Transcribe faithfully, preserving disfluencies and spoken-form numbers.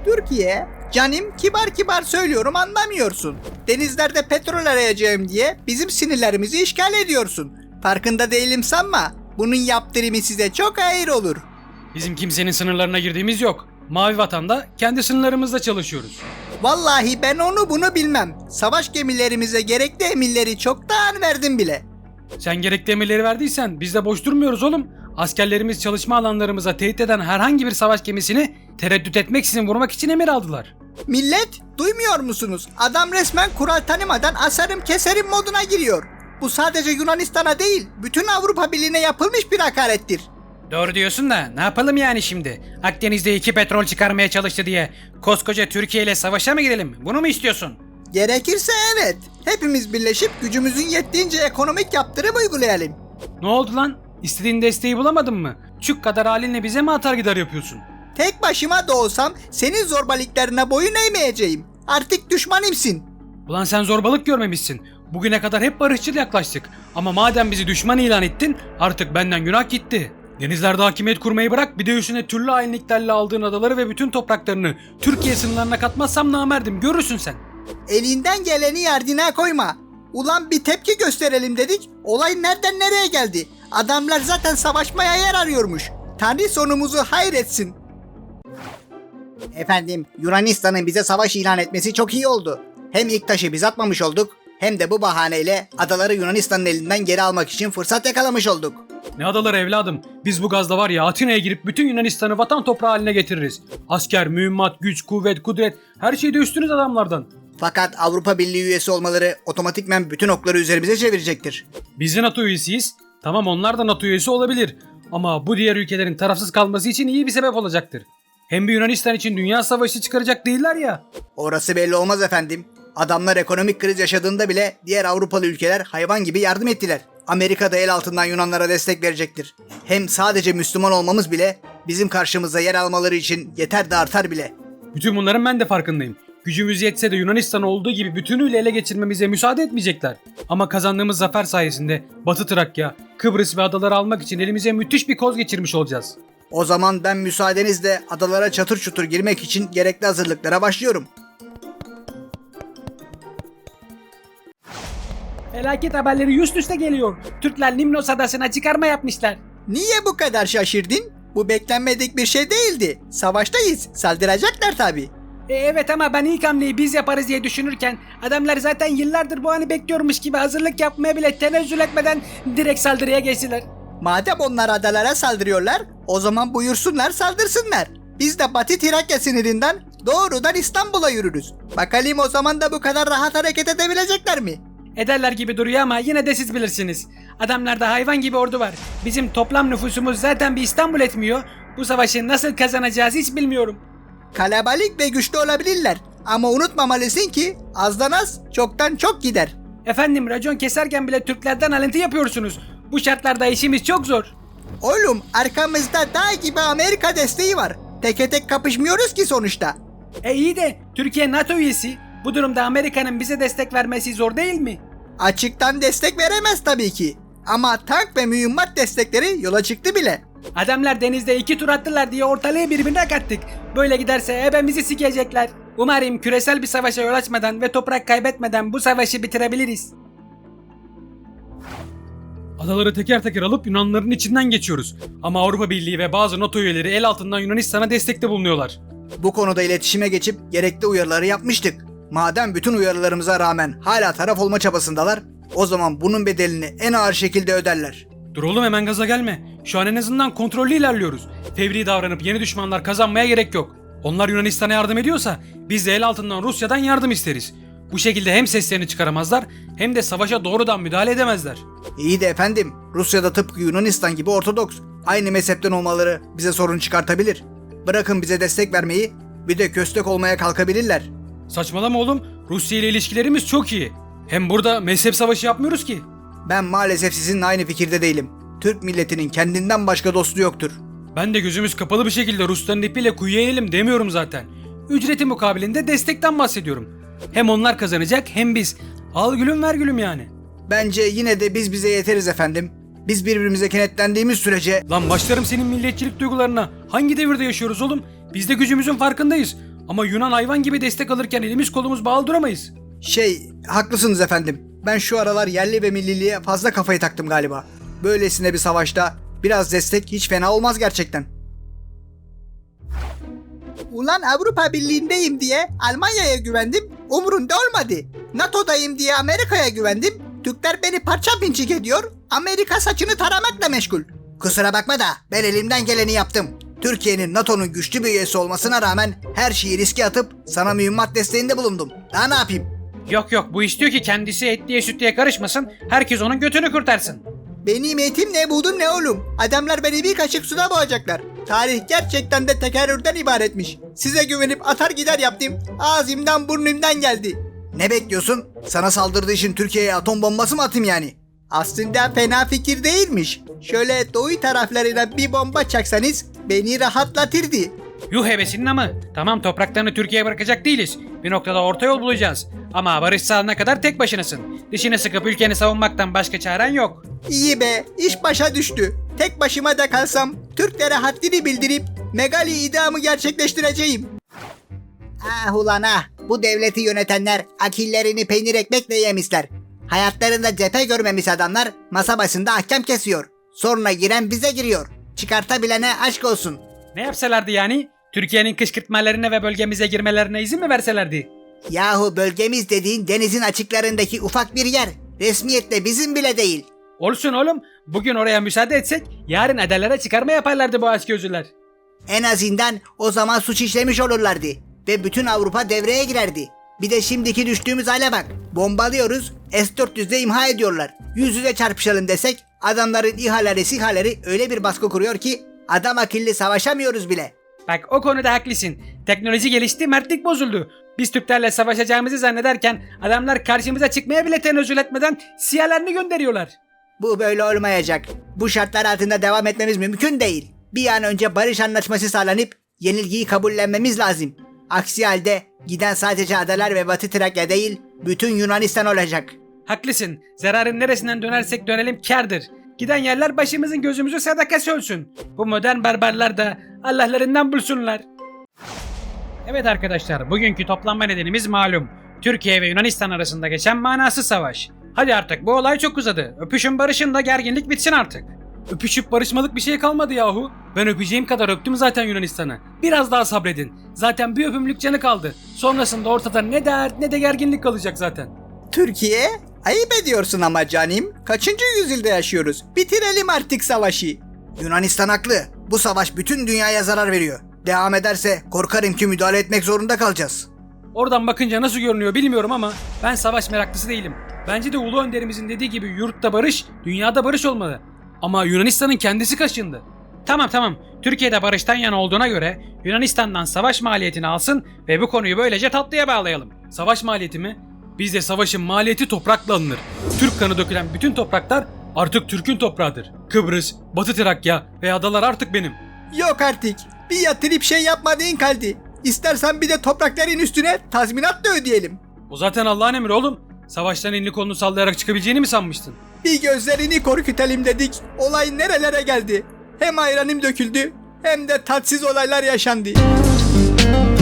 Türkiye, canim kibar kibar söylüyorum anlamıyorsun. Denizlerde petrol arayacağım diye bizim sinirlerimizi işgal ediyorsun. Farkında değilim sanma. Bunun yaptırımı size çok ağır olur. Bizim kimsenin sınırlarına girdiğimiz yok. Mavi Vatan'da kendi sınırlarımızda çalışıyoruz. Vallahi ben onu bunu bilmem. Savaş gemilerimize gerekli emirleri çoktan verdim bile. Sen gerekli emirleri verdiysen biz de boş durmuyoruz oğlum. Askerlerimiz çalışma alanlarımıza tehdit eden herhangi bir savaş gemisini tereddüt etmeksizin vurmak için emir aldılar. Millet, duymuyor musunuz? Adam resmen kural tanımadan asarım keserim moduna giriyor. Bu sadece Yunanistan'a değil, bütün Avrupa Birliği'ne yapılmış bir hakarettir. Doğru diyorsun da ne yapalım yani şimdi? Akdeniz'de iki petrol çıkarmaya çalıştı diye koskoca Türkiye ile savaşa mı girelim? Bunu mu istiyorsun? Gerekirse evet. Hepimiz birleşip gücümüzün yettiğince ekonomik yaptırım uygulayalım. Ne oldu lan? İstediğin desteği bulamadın mı? Çük kadar halinle bize mi atar gider yapıyorsun? Tek başıma da olsam senin zorbalıklarına boyun eğmeyeceğim. Artık düşmanımsın. Ulan sen zorbalık görmemişsin. Bugüne kadar hep barışçıl yaklaştık. Ama madem bizi düşman ilan ettin, artık benden günah gitti. Denizlerde hakimiyet kurmayı bırak, bir de üstüne türlü hainliklerle aldığın adaları ve bütün topraklarını Türkiye sınırlarına katmazsam namerdim, görürsün sen. Elinden geleni yardına koyma. Ulan bir tepki gösterelim dedik, olay nereden nereye geldi? Adamlar zaten savaşmaya yer arıyormuş. Tanrı sonumuzu hayretsin. Efendim, Yunanistan'ın bize savaş ilan etmesi çok iyi oldu. Hem ilk taşı biz atmamış olduk, hem de bu bahaneyle adaları Yunanistan'ın elinden geri almak için fırsat yakalamış olduk. Ne adaları evladım? Biz bu gazda var ya Atina'ya girip bütün Yunanistan'ı vatan toprağı haline getiririz. Asker, mühimmat, güç, kuvvet, kudret her şeyde üstünüz adamlardan. Fakat Avrupa Birliği üyesi olmaları otomatikmen bütün okları üzerimize çevirecektir. Biz de NATO üyesiyiz. Tamam onlar da NATO üyesi olabilir. Ama bu diğer ülkelerin tarafsız kalması için iyi bir sebep olacaktır. Hem bir Yunanistan için dünya savaşı çıkaracak değiller ya. Orası belli olmaz efendim. Adamlar ekonomik kriz yaşadığında bile diğer Avrupalı ülkeler hayvan gibi yardım ettiler. Amerika da el altından Yunanlara destek verecektir. Hem sadece Müslüman olmamız bile bizim karşımıza yer almaları için yeter de artar bile. Bütün bunların ben de farkındayım. Gücümüz yetse de Yunanistan olduğu gibi bütünüyle ele geçirmemize müsaade etmeyecekler. Ama kazandığımız zafer sayesinde Batı Trakya, Kıbrıs ve adaları almak için elimize müthiş bir koz geçirmiş olacağız. O zaman ben müsaadenizle adalara çatır çutur girmek için gerekli hazırlıklara başlıyorum. Felaket haberleri üst üste geliyor. Türkler Limnos adasına çıkarma yapmışlar. Niye bu kadar şaşırdın? Bu beklenmedik bir şey değildi. Savaştayız. Saldıracaklar tabii. E, evet ama ben ilk hamleyi biz yaparız diye düşünürken adamlar zaten yıllardır bu anı bekliyormuş gibi hazırlık yapmaya bile tenezzül etmeden direkt saldırıya geçtiler. Madem onlar adalara saldırıyorlar, o zaman buyursunlar saldırsınlar. Biz de Batı Trakya sınırından doğrudan İstanbul'a yürürüz. Bakalım o zaman da bu kadar rahat hareket edebilecekler mi? Ederler gibi duruyor ama yine de siz bilirsiniz. Adamlarda hayvan gibi ordu var. Bizim toplam nüfusumuz zaten bir İstanbul etmiyor. Bu savaşı nasıl kazanacağız hiç bilmiyorum. Kalabalık ve güçlü olabilirler. Ama unutmamalısın ki azdan az çoktan çok gider. Efendim racon keserken bile Türklerden alıntı yapıyorsunuz. Bu şartlarda işimiz çok zor. Oğlum arkamızda dağ gibi Amerika desteği var. Teke tek kapışmıyoruz ki sonuçta. E iyi de Türkiye NATO üyesi. Bu durumda Amerika'nın bize destek vermesi zor değil mi? Açıktan destek veremez tabii ki. Ama tank ve mühimmat destekleri yola çıktı bile. Adamlar denizde iki tur attılar diye ortalığı birbirine kattık. Böyle giderse hepimizi sikecekler. Umarım küresel bir savaşa yol açmadan ve toprak kaybetmeden bu savaşı bitirebiliriz. Adaları teker teker alıp Yunanların içinden geçiyoruz. Ama Avrupa Birliği ve bazı NATO üyeleri el altından Yunanistan'a destekte bulunuyorlar. Bu konuda iletişime geçip gerekli uyarıları yapmıştık. Madem bütün uyarılarımıza rağmen hala taraf olma çabasındalar, o zaman bunun bedelini en ağır şekilde öderler. Dur oğlum hemen gaza gelme. Şu an en azından kontrollü ilerliyoruz. Fevri davranıp yeni düşmanlar kazanmaya gerek yok. Onlar Yunanistan'a yardım ediyorsa biz de el altından Rusya'dan yardım isteriz. Bu şekilde hem seslerini çıkaramazlar hem de savaşa doğrudan müdahale edemezler. İyi de efendim, Rusya'da tıpkı Yunanistan gibi Ortodoks, aynı mezhepten olmaları bize sorun çıkartabilir. Bırakın bize destek vermeyi, bir de köstek olmaya kalkabilirler. Saçmalama oğlum. Rusya ile ilişkilerimiz çok iyi. Hem burada mezhep savaşı yapmıyoruz ki. Ben maalesef sizinle aynı fikirde değilim. Türk milletinin kendinden başka dostu yoktur. Ben de gözümüz kapalı bir şekilde Rusların ipiyle kuyuya inelim demiyorum zaten. Ücreti mukabilinde destekten bahsediyorum. Hem onlar kazanacak hem biz. Al gülüm ver gülüm yani. Bence yine de biz bize yeteriz efendim. Biz birbirimize kenetlendiğimiz sürece... Lan başlarım senin milliyetçilik duygularına. Hangi devirde yaşıyoruz oğlum? Biz de gücümüzün farkındayız. Ama Yunan hayvan gibi destek alırken elimiz kolumuz bağlı duramayız. Şey, haklısınız efendim. Ben şu aralar yerli ve milliliğe fazla kafayı taktım galiba. Böylesine bir savaşta biraz destek hiç fena olmaz gerçekten. Ulan Avrupa Birliği'ndeyim diye Almanya'ya güvendim, umurunda olmadı. NATO'dayım diye Amerika'ya güvendim, Türkler beni parça pinçik ediyor, Amerika saçını taramakla meşgul. Kusura bakma da ben elimden geleni yaptım. Türkiye'nin NATO'nun güçlü bir üyesi olmasına rağmen her şeyi riske atıp sana mühimmat desteğinde bulundum. Daha ne yapayım? Yok yok, bu istiyor ki kendisi etliye sütlüye karışmasın, herkes onun götünü kurtarsın. Benim eğitim ne buldum ne oğlum. Adamlar beni bir kaşık suda boğacaklar. Tarih gerçekten de tekerrürden ibaretmiş. Size güvenip atar gider yaptım. Ağzımdan burnumdan geldi. Ne bekliyorsun? Sana saldırdığı için Türkiye'ye atom bombası mı atayım yani? Aslında fena fikir değilmiş. Şöyle doğu taraflarına bir bomba çaksanız beni rahatlatırdı. Yuh hevesinin ama. Tamam, topraklarını Türkiye'ye bırakacak değiliz. Bir noktada orta yol bulacağız. Ama barış sağlanana kadar tek başınasın. Dişini sıkıp ülkeni savunmaktan başka çaren yok. İyi be, iş başa düştü. Tek başıma da kalsam Türklere haddini bildirip Megali idamı gerçekleştireceğim. Ah ulan ah, bu devleti yönetenler akillerini peynir ekmekle yemişler. Hayatlarında cephe görmemiş adamlar masa başında ahkam kesiyor. Sonra giren bize giriyor. Çıkartabilene aşk olsun. Ne yapsalardı yani? Türkiye'nin kışkırtmalarına ve bölgemize girmelerine izin mi verselerdi? Yahu bölgemiz dediğin denizin açıklarındaki ufak bir yer. Resmiyetle bizim bile değil. Olsun oğlum. Bugün oraya müsaade etsek yarın adalara çıkarma yaparlardı bu açgözlüler. En azından o zaman suç işlemiş olurlardı. Ve bütün Avrupa devreye girerdi. Bir de şimdiki düştüğümüz hale bak. Bombalıyoruz, S dört yüzle imha ediyorlar. Yüz yüze çarpışalım desek adamların İHA'ları SİHA'ları öyle bir baskı kuruyor ki adam akıllı savaşamıyoruz bile. Bak, o konuda haklısın. Teknoloji gelişti, mertlik bozuldu. Biz Türklerle savaşacağımızı zannederken adamlar karşımıza çıkmaya bile tenezzül etmeden siyalarını gönderiyorlar. Bu böyle olmayacak. Bu şartlar altında devam etmemiz mümkün değil. Bir an önce barış anlaşması sağlanıp yenilgiyi kabullenmemiz lazım. Aksi halde giden sadece adalar ve Batı Trakya değil, bütün Yunanistan olacak. Haklısın. Zararın neresinden dönersek dönelim kârdır. Giden yerler başımızın gözümüzü sadakası olsun. Bu modern barbarlar da Allah'larından bulsunlar. Evet arkadaşlar, bugünkü toplanma nedenimiz malum. Türkiye ve Yunanistan arasında geçen manasız savaş. Hadi artık, bu olay çok uzadı. Öpüşün barışın da gerginlik bitsin artık. Öpüşüp barışmalık bir şey kalmadı yahu. Ben öpeceğim kadar öptüm zaten Yunanistan'ı. Biraz daha sabredin. Zaten bir öpümlük canı kaldı. Sonrasında ortada ne dert ne de gerginlik kalacak zaten. Türkiye? Ayıp ediyorsun ama canim. Kaçıncı yüzyılda yaşıyoruz? Bitirelim artık savaşı. Yunanistan haklı. Bu savaş bütün dünyaya zarar veriyor. Devam ederse korkarım ki müdahale etmek zorunda kalacağız. Oradan bakınca nasıl görünüyor bilmiyorum ama ben savaş meraklısı değilim. Bence de Ulu Önderimizin dediği gibi yurtta barış, dünyada barış olmalı. Ama Yunanistan'ın kendisi kaşındı. Tamam tamam, Türkiye'de barıştan yana olduğuna göre Yunanistan'dan savaş maliyetini alsın ve bu konuyu böylece tatlıya bağlayalım. Savaş maliyeti mi? Bizde savaşın maliyeti toprakla alınır. Türk kanı dökülen bütün topraklar artık Türk'ün toprağıdır. Kıbrıs, Batı Trakya ve adalar artık benim. Yok artık. Bir yatırıp şey yapmadığın kaldı. İstersen bir de toprakların üstüne tazminat da ödeyelim. O zaten Allah'ın emri oğlum. Savaştan elini kolunu sallayarak çıkabileceğini mi sanmıştın? Bir gözlerini korkutelim dedik. Olay nerelere geldi? Hem ayranım döküldü hem de tatsız olaylar yaşandı.